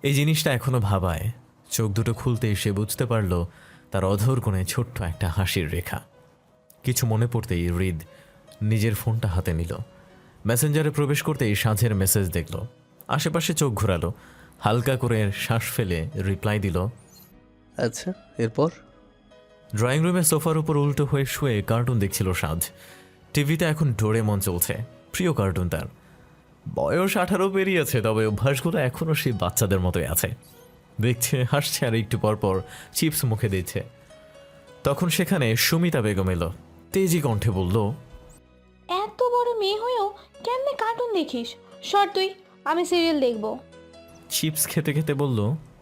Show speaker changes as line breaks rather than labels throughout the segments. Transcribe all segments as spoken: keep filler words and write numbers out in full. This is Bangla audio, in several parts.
এই জিনিসটা এখনো ভাবায়। চোখ দুটো খুলতেই সে বুঝতে পারল তার অধর কোণে ছোট্ট একটা হাসির রেখা। কিছু মনে পড়তেই হৃদ নিজের ফোনটা হাতে নিল। মেসেঞ্জারে প্রবেশ করতেই সাঁঝের মেসেজ দেখল। আশেপাশে চোখ ঘোরালো, হালকা করে শ্বাস ফেলে রিপ্লাই দিল।
আচ্ছা, এরপর?
ড্রয়িং রুমে সোফার উপর উল্টো হয়ে শুয়ে কার্টুন দেখছিল সাঁঝ। টিভিতে এখন ডোরেমন চলছে, প্রিয় কার্টুন তার। বয়স আঠারো পেরিয়েছে, তবে অভ্যাসগুলো এখনও সেই বাচ্চাদের মতোই আছে। দেখছে, হাসছে, আর একটু পরপর চিপস মুখে দিচ্ছে। তখন সেখানে সুমিতা বেগম এলো। তেজি কণ্ঠে বলল,
এত বড় মেয়ে হয়েও কেমনে কার্টুন দেখিস? সর তুই, আমি সিরিয়াল দেখব।
চিপস খেতে খেতে বলল,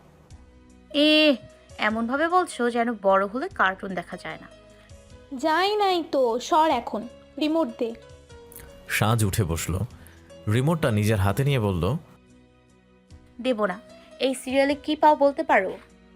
এ এমনভাবে বলছো যেন বড় হলে কার্টুন দেখা যায় না।
যাই নাই তো, সর এখন, রিমোট দে।
সাঁঝ উঠে বসল, রিমোটটা নিজের হাতে নিয়ে বলল,
দেব না। এই সিরিয়ালে কি পাও বলতে পারো?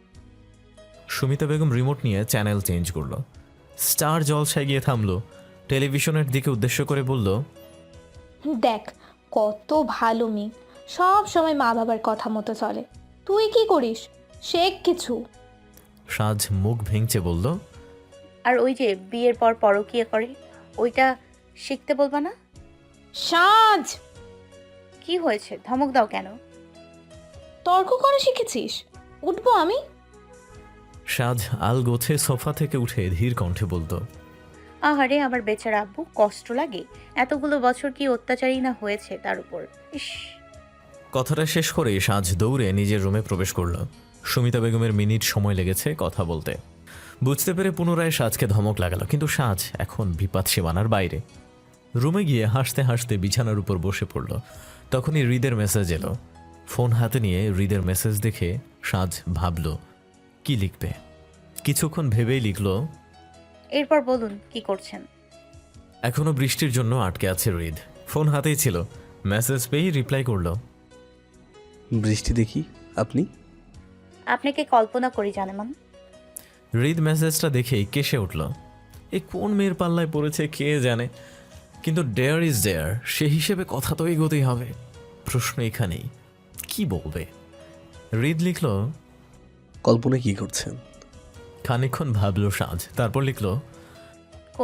সুমিতা বেগম রিমোট নিয়ে চ্যানেল চেঞ্জ করলো। স্টার জলসায় গিয়ে থামলো। টেলিভিশনের দিকে উদ্দেশ্য করে বলল,
দেখ, কত ভালো মেয়ে, সব সময় মা বাবার কথা মতো চলে। তুই কি করিস? শেখ কিছু।
সাঁঝ মুখ ভেঙচে বলল,
আর ওই যে বিয়ের পর পরকীয়া করে, ওইটা শিখতে বলবা না?
সাজ,
কি হয়েছে, ধমক দাও কেন?
তর্ক করা শিখেছিস? উঠবো আমি?
সাঁঝ আল গোছে সোফা থেকে উঠে ধীর কণ্ঠে বলল,
আহারে আমার বেচারা আব্বু, কষ্ট লাগে। এতগুলো বছর কি অত্যাচারী না হয়েছে তার উপর। ইস।
কথাটা শেষ করে সাঁঝ দৌড়ে নিজের রুমে প্রবেশ করল। সুমিতা বেগমের মিনিট সময় লেগেছে কথা বলতে। বুঝতে পেরে পুনরায় সাঁঝকে ধমক লাগালো, কিন্তু সাঁঝ এখন বিপাদ সীমানার বাইরে। রুমে গিয়ে হাসতে হাসতে বিছানার উপর বসে পড়ল। তখনই হৃদের মেসেজ এলো। ফোন হাতে নিয়ে হৃদের মেসেজ দেখে সাঁঝ ভাবল কি লিখবে। কিছুক্ষণ ভেবেই লিখল,
এরপর বলুন কি করছেন?
এখনো বৃষ্টির জন্য আটকে আছে হৃদ। ফোন হাতেই ছিল, মেসেজ পেয়েই রিপ্লাই করল,
বৃষ্টি দেখি। আপনি?
আপনাকে কল্পনা করি জানেমান।
হৃদ মেসেজটা দেখেই কেসে উঠল। এ কোন মেয়ের পাল্লায় পড়েছে কে জানে, কিন্তু ডেয়ার ইজ ডেয়ার, সে হিসেবে কথা তো এগোতেই হবে। প্রশ্ন এখানেই, কি বলবে। হৃদ লিখল,
কল্পনা কি করছেন?
খানিকক্ষণ ভাবল সাঁঝ, তারপর লিখল,